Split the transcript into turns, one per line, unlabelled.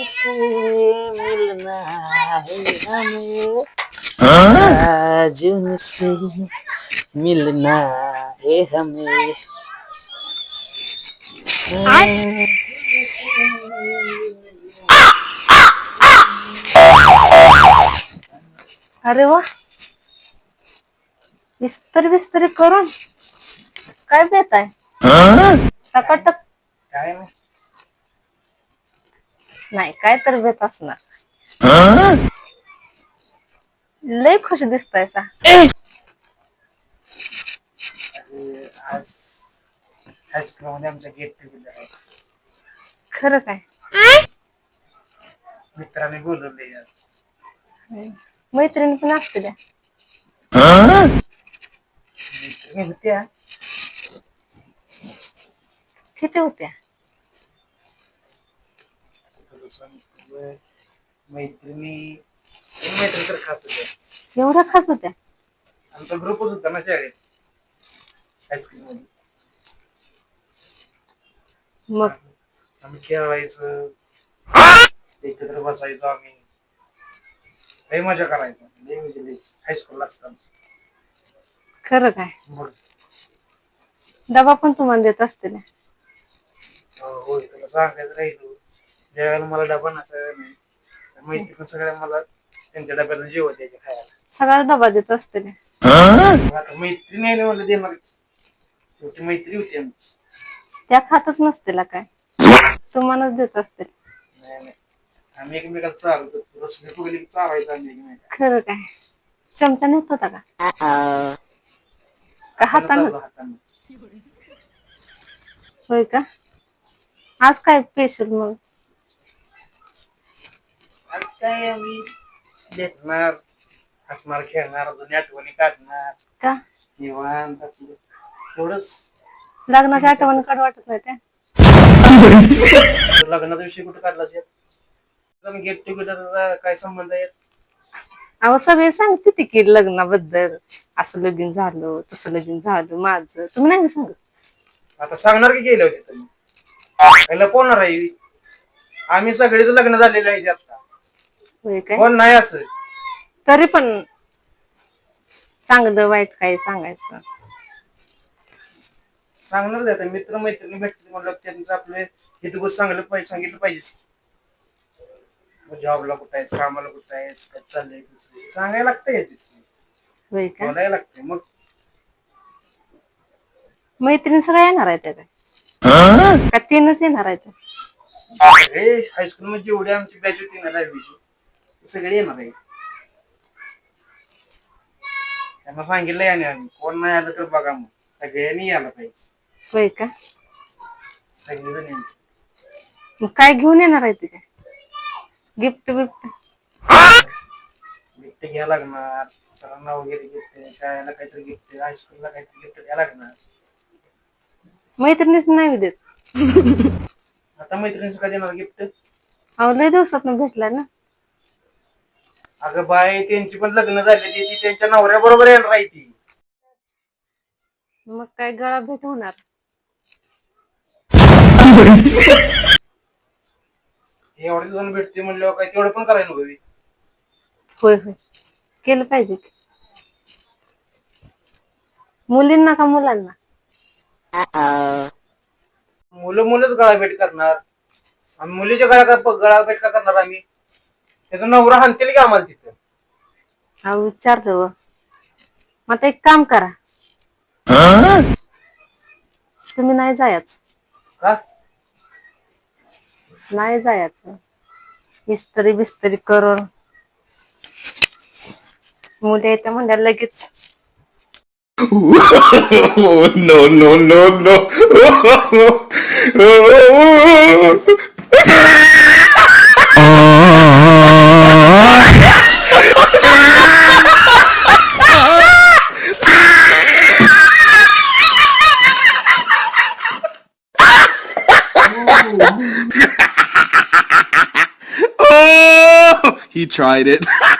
से मिलना है हमें, आज उनसे मिलना है हमें.
अरे वा, इस्त्री बिस्त्री करून काय बेत आहे? टकाटक.
काय नाही.
नाही, काय तर बेत असणार. लय खुश दिसतायसा.
आज हायस्कूल मध्ये आमच्या गेट टुगेदर आहे.
खरं काय?
मित्राने बोलवले.
मैत्रिणी पण असते द्या.
मैत्रिणी होत्या.
किती होत्या?
मैत्रिणी मैत्री तर खास होत्या.
एवढ्या खास होत्या?
आमचा ग्रुपच होता ना शाळेत हायस्कूल मध्ये.
मग
आम्ही खेळायचो, एकत्र बसायचो आम्ही. लय मजा करायचो. लय म्हणजे हायस्कूलला असताना.
खरं काय?
मग
डबा पण तुम्हाला देत असतील.
होय, तुला सांगायचं राहिलो, ज्यावेळेला मला डबा नसायचा नाही, मैत्रिणी सगळ्या मला त्यांच्या डब्याला जेवण द्यायचे खायला.
सगळा डबा देत असतील.
आता मैत्रिणी आहे ना, मला देणार. शेवटी मैत्री होती आमची.
त्या खातच नसतील काय, तुम्हालाच देत असतील.
नाही नाही, आम्ही एकमेकाला चालत होतो. रसली फुगली चालायचं आम्ही एकमेकाला.
खरं काय? चमचा नेत होता का हातानच?
हातानं.
होय का? आज काय स्पेशल मग?
आज काय आम्ही भेटणार, हसणार, खेळणार, जुन्या आठवणी काढणार.
का
निवांत आपलं एवढंच.
लग्नाच्या आठवणी काढ वाटत नाही त्या?
लग्नाचा विषय कुठे काढलाच येत? गेट टुगेदरचा काय संबंध आहे?
अहो सगळे सांगते की लग्नाबद्दल, असं लगीन झालं, तसं लगीन झालं माझं. तुम्ही नाही सांगत?
आता सांगणार की गेले होते तुम्ही? पहिला कोण आहे? आम्ही सगळेच लग्न झालेले आहेत आता.
होय काय?
कोण नाही असं.
तरी पण चांगलं वाईट काय सांगायचं?
सांगणार आता मित्र मैत्रिणी भेटले म्हणलं त्यांचं आपले हे गोष्ट सांगितलं पाहिजे. जॉबला कुठं आहेस, कामाला कुठं आहेस, काय चाललंय तसं सांगायला लागतंय.
होय का?
बोलायला लागतंय. मग
मैत्रीण सगळ्या येणार आहेत काय? का तीनच येणार आहेत?
हायस्कूल मध्ये जेवढी आमची बॅच होती ना 10वीची सगळे येणार आहे. त्यांना सांगितलंय आणि आम्ही कोण नाही आलं तर बघा, मग सगळ्यांनी यायला पाहिजे.
होय का?
सगळेजण येणार.
मग काय घेऊन येणार आहे ते? काय गिफ्ट बिफ्ट?
गिफ्ट घ्या लागणार सरांना वगैरे, गिफ्ट शाळेला काहीतरी गिफ्ट, हायस्कूलला काहीतरी गिफ्ट द्या लागणार.
मैत्रिणीच नाही देत?
आता मैत्रिणीचं काय देणार गिफ्ट?
अहो लय दिवसात भेटला ना.
अगं बाय, त्यांची पण लग्न झाली, ती त्यांच्या नवऱ्या बरोबर येणार आहे ती.
मग काय गळा भेट होणार?
एवढे जण भेटते म्हणल्यावर काय तेवढं पण करायला हवी.
होय होय, केलं पाहिजे. मुलींना का मुलांना?
मुलंच गळा भेट करणार. आम्ही मुलीच्या गळा भेट का करणार? आम्ही त्याचा नवरा हाणतील की आम्हाला तिथं.
अहो विचारलं. मग आता एक काम करा, तुम्ही नाही जायचं.
का?
नाही जायचं. इस्त्री बिस्त्री करून मुले येते म्हणजे लगेच.
No, no, no, no. Oh, he tried it.